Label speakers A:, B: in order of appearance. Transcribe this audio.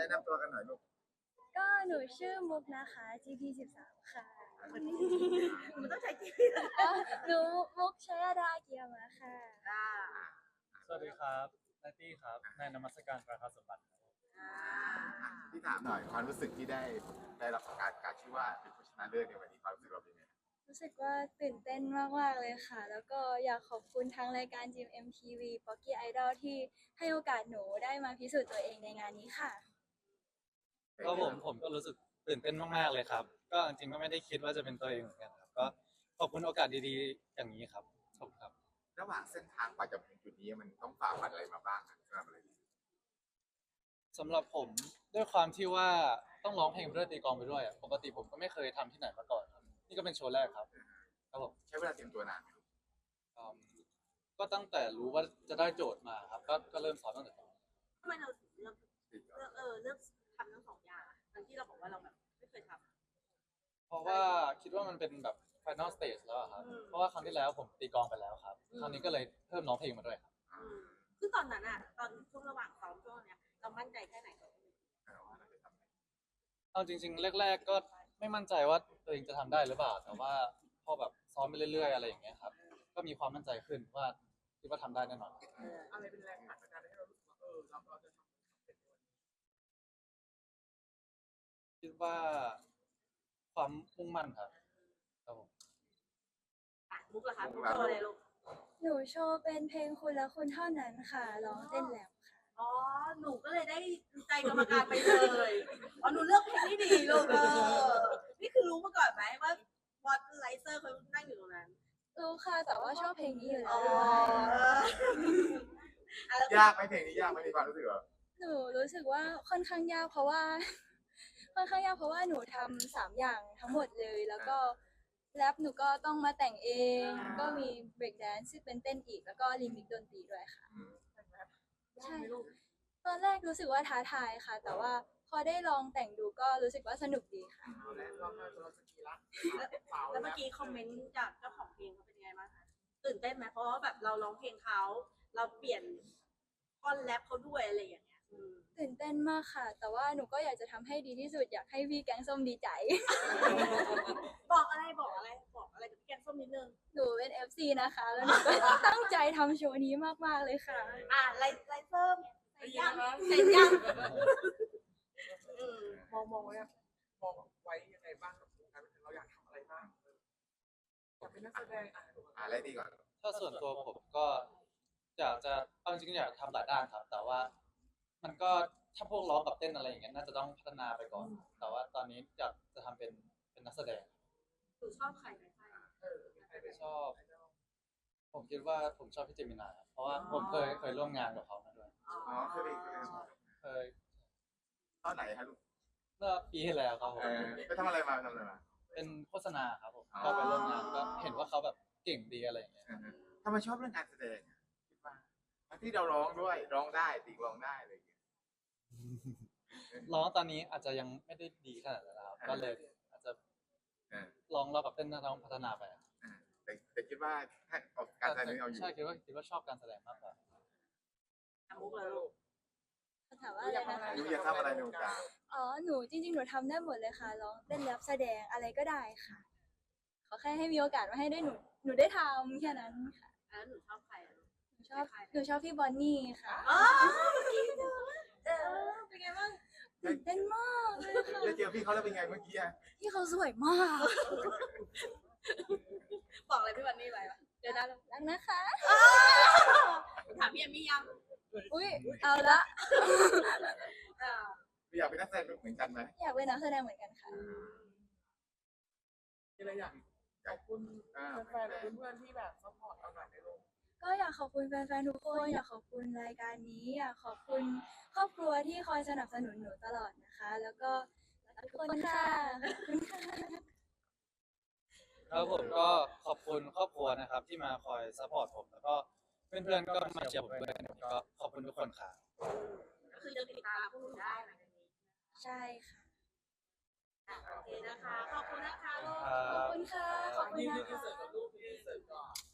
A: นะนำตัวกันหน่อยลูก
B: ก็หนูชื่อมุกนะคะ GP13 ค่ะ
C: มันต้องใช้จี
B: หนูมุกชยดาเกียรมาค่ะ
D: สวัสดีครับนายตี้ครับนายนมัสการประภาสมบัติ
A: ที่ถามหน่อยความรู้สึกที่ได้รับการชื่อว่าเป็นผู้ชนะเลิศในวันนี้ความรู้สึกเราเป็นไง
B: รู้สึกว่าตื่นเต้นมากๆเลยค่ะ แล้วก็อยากขอบคุณทางรายการ GMMTV Pocky Idol ที่ให้โอกาสหนูได้มาพิสูจน์ตัวเองในงานนี้ค่ะ
D: ก็ผมก็รู้สึกตื่นเต้นมากๆเลยครับก็จริงๆก็ไม่ได้คิดว่าจะเป็นตัวเองเหมือนกันครับก็ขอบคุณโอกาสดีๆอย่างนี้ครับขอบคุณครับ
A: ระหว่างเส้นทางกว่าจะถึงจุดนี้มันต้องฝ่าฟันอะไรมาบ้าง
D: สำหรับผมด้วยความที่ว่าต้องร้องเพลงด้วยตีกลองไปด้วยปกติผมก็ไม่เคยทำที่ไหนมาก่อนครับนี่ก็เป็นโชว์แรกครับครับผม
A: ใช้เวลาเตรียมตัวนานไหม
D: ก็ตั้งแต่รู้ว่าจะได้โจทย์มาครับก็เริ่มซ้อมตั้งแต่ตอน
C: ทำไมเราถึงเลือกทำทั้งสองอย่างทั้งที่เราบอกว่าเราแบบไม่เคยทำ
D: เพราะว่าคิดว่ามันเป็นแบบ final stage แล้วครับเพราะว่าครั้งที่แล้วผมตีกลองไปแล้วครับครั้งนี้ก็เลยเพิ่มร้องเพลงมาด้วยครับ
C: คือตอนนั้นอะตอนช่วงระหว่างซ้อมช่วงเนี้ยเรามั่นใจแค่ไหน
D: เอาจริงๆแรกๆก็ไม่มั่นใจว่าตัวเองจะทำได้หรือเปล่าแต่ว่าพอแบบซ้อมไปเรื่อยๆอะไรอย่างเงี้ยครับก็มีความมั่นใจขึ้นว่าคิดว่าทำได้แน่นอน
A: อะไรเป็นแรงผลักดันให้เรารู้สึกว่าเราจะทำเป็น
D: คิดว่าความมุ่งมั่นครับครับผม
C: มุกเหรอคะมุกโชว์อะไรลูก
B: หนูโชว์เป็นเพลงคุณและคุณเท่านั้นค่ะร้องเต้นแรปค่ะ
C: อ๋อหนูก็เลยได้ใจกรรมการไปเลยอ๋อหนูเลือกเพลงที่ดีลูกนี่คือรู้มาก่อนไหมว่าวอตไลเซอร์เขานั่งอยู่ตรงนั้น
B: รู้ค่ะแต่ว่าชอบเพลงนี้อยู่แล้ว
A: ยากไหมเพลงนี้ยากไหมมีความรู้สึก
B: หนูรู้สึกว่าค่อนข้างยากเพราะว่าหนูทำ3อย่างทั้งหมดเลยแล้วก็แรปหนูก็ต้องมาแต่งเองก็มี break dance ที่เป็นเต้นอีกแล้วก็ลิมิกดนตรีด้วยค่ะใช่ตอนแรกรู้สึกว่าท้าทายค่ะแต่ว่าพอได้ลองแต่งดูก็รู้สึกว่าสนุกดีค่ะ
C: แล้วเมื่อกี้คอมเมนต์จากเจ้าของเพลงเขาเป็นยังไงบ้างคะตื่นเต้นไหมเพราะว่าแบบเราร้องเพลงเขาเราเปลี่ยนท่อนแรปเขาด้วยอะไรอย่างเงี้ย
B: ตื่นเต้นมากค่ะแต่ว่าหนูก็อยากจะทำให้ดีที่สุดอยากให้พี่แกงส้มดีใจ
C: บอกอะไรกับพี่แกงส้มนิดนึง
B: หนูเป็น FC นะคะแล้วหนูก็ตั้งใจทำโชว์นี้มากๆเลยค่ะ
C: ไลเซอร์ใส่ยัง
A: มองไว้ยังไงบ้างกับการเราอยากทำอะไรบ้างอยากเป็นนักแสดงอะไรดีก่อน
D: ถ้าส่วนตัวผมก็อยากจะเอาจริงๆอยากทำหลายด้านครับแต่ว่ามันก็ถ้าพวกร้องกับเต้นอะไรอย่างเงี้ยน่าจะต้องพัฒนาไปก่อนแต่ว่าตอนนี้อยากจะทำเป็นนักแสดง
C: ชอบใคร
D: ชอบผมคิดว่าผมชอบพี่เจมินาเพราะว่าผมเคยร่วมงานกับเขามาด้วยเคย
A: ตอนไหนครับลูก
D: เมื่อปีที่แล้วครับผม
A: ไปทำอะไรมา
D: เป็นโฆษณาครับผมก็ไปร่วมงานก็เห็นว่าเขาแบบเก่งดีอะไรอย่างเงี้ย
A: ทำไมชอบเรื่องการแสดงคิดว่าที่เราร้องด้วยร้องได้ตีร้องได้เลย
D: ร้องตอนนี้อาจจะยังไม่ได้ดีขนาดนั้นครับก็เลยอาจจะลองกับเต้นต้องพัฒนาไป
A: แต่คิดว่าการแสดงเอาอยู่
D: ใช่คิดว่าชอบการแสดงมากกว่า
C: มุกเลยลูก
B: ถามว่าอะไรนะคะ
A: หนูอยากทำอะไรหนูกา
B: หนูจริงๆหนูทำได้หมดเลยค่ะร้องเต้นแรปแสดงอะไรก็ได้ค่ะขอแค่ให้มีโอกาสมาให้ได้หนูได้ทำแค่นั้นค่ะ
C: หนูชอบใคร
B: หนูชอบพี่บอนนี่ค่ะ
C: เป็นไงบ้าง
B: ตื่นเต้นมากเลยค่ะ
A: ได้เจอพี่เขาแล้วเป็นไงเมื่อกี้
B: พี่เขาสวยมาก
C: บอกอะไรพี่บอนนี่ไป
B: เดี๋ยวนะรักนะคะ
C: ถามพี่เอมมี่ยัง
B: อุ้ยเอาละ
A: อยากเป็นนักแสดงเหมือนกันไหม
B: อยากเป็นนักแสดงเหมือนกันค่ะ
A: มีอะไรอยากขอบคุณแฟนๆเพื่อนๆที่แบบซัพพอร์ตเราหน่อยในโลก
B: ก็อยากขอบคุณแฟนๆทุกคนอยากขอบคุณรายการนี้อยากขอบคุณครอบครัวที่คอยสนับสนุนหนูตลอดนะคะแล้วก็ทุกคนค่ะ
D: ครับผมก็ขอบคุณครอบครัวนะครับที่มาคอยซัพพอร์ตผมแล้วก็เพื่อนๆก็มาเชียร์ผมด้วยก็ขอบคุณทุกคนค่ะ
C: ก็คือจะติดตามพวกหนูได้หลังจากนี้
B: ใช่ค่ะ
C: โอเคนะคะขอบคุณนะคะ
B: ขอบคุณค่ะขอบคุณนะคะ